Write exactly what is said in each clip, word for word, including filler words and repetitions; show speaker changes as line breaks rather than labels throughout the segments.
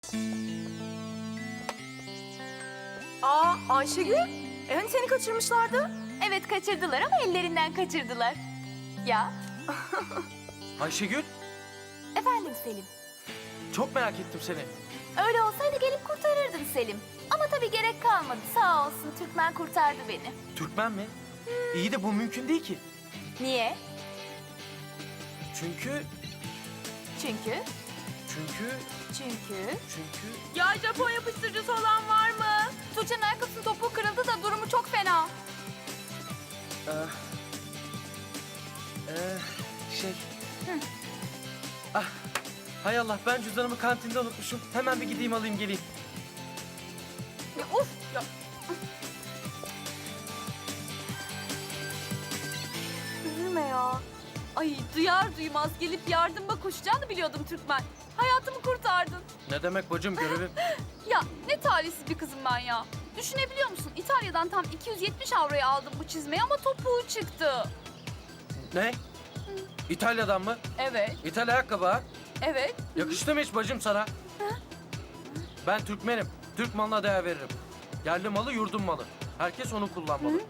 Aa Ayşegül, e hani seni kaçırmışlardı?
Evet kaçırdılar ama ellerinden kaçırdılar. Ya
Ayşegül,
efendim Selim.
çok merak ettim seni.
Öyle olsaydı gelip kurtarırdın Selim. Ama tabii gerek kalmadı. Sağ olsun Türkmen kurtardı beni.
Türkmen mi? İyi de bu mümkün değil ki.
Niye?
Çünkü,
Çünkü,
çünkü,
çünkü...
çünkü...
Ya Japon yapıştırıcısı olan var mı?
Tuğçe'nin ayakkabısının topuğu kırıldı da durumu çok fena.
Ee, ee, şey... Ah, hay Allah, ben cüzdanımı kantinde unutmuşum. Hemen bir gideyim alayım geleyim.
Ya of ya.
Üzülme ya.
Ay duyar duymaz gelip yardıma koşacağını biliyordum Türkmen. Hayatımı kurtardın.
Ne demek bacım, görevim.
Ya ne talihsiz bir kızım ben ya. Düşünebiliyor musun? İtalya'dan tam iki yüz yetmiş avroya aldım bu çizmeyi ama topuğu çıktı.
Ne? İtalya'dan mı?
Evet,
İtalya ayakkabı ha?
evet.
Yakıştı mı hiç bacım sana? Ben Türkmenim. Türk malına değer veririm. Yerli malı, yurdum malı. Herkes onu kullanmalı.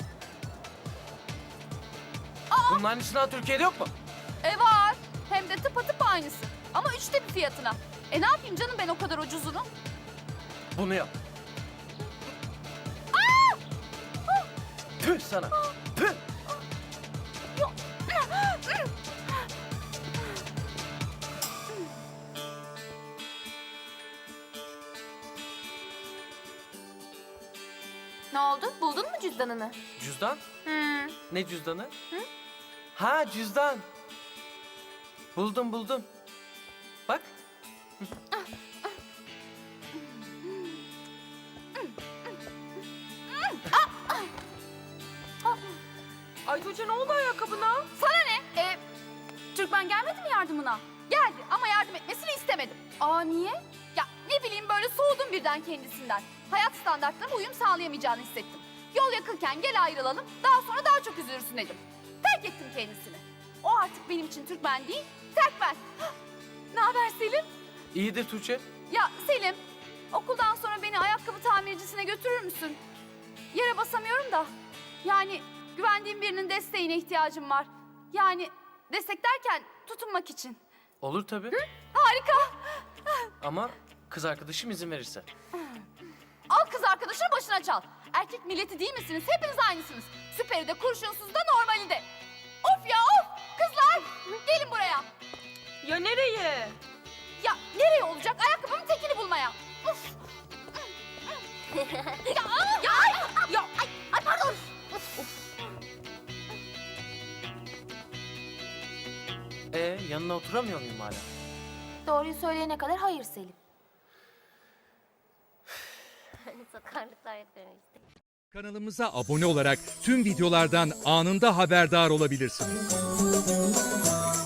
Bunların içinden Türkiye'de yok mu?
E var. Hem de tıpatıp aynısı. Ama üçte bir fiyatına. E ne yapayım canım ben o kadar ucuzunu?
Bunu yap. Tüh sana. Tüh.
Ne oldu? Buldun mu cüzdanını?
Cüzdan?
Hmm.
Ne cüzdanı? Ha, cüzdan. Buldum buldum. Bak.
Ay Tuğçe ne oldu ayakkabına? Sana ne? E, Türkmen gelmedi mi yardımına? Geldi ama yardım etmesini istemedim. Aa niye? Ya ne bileyim böyle soğudum birden kendisinden. Hayat standartlarına uyum sağlayamayacağını hissettim. Yol yakınken gel ayrılalım, daha sonra daha çok üzülürsün dedim. Terk ettim kendisini. O artık benim için Türkmen değil, Terkmen. Ne haber Selim?
İyidir Tuğçe.
Ya Selim, okuldan sonra beni ayakkabı tamircisine götürür müsün? Yere basamıyorum da. Yani güvendiğim birinin desteğine ihtiyacım var. Yani destek derken tutunmak için.
Olur tabii.
Harika.
Ama kız arkadaşım izin verirse.
Al kız arkadaşını başına çal. Erkek milleti değil misiniz? Hepiniz aynısınız. Süperi de kurşunsuz da normali de. Of ya of! Kızlar gelin buraya.
Ya nereye?
Ya nereye olacak? Ayakkabımın tekini bulmaya. Of! ya, ya, ay, ya, ay, ay pardon.
Ee, yanına oturamıyor muyum hala?
Doğruyu söyleyene kadar hayır Selim.
Sakarlıklar yapıyorum işte.
Kanalımıza abone olarak tüm videolardan anında haberdar olabilirsiniz.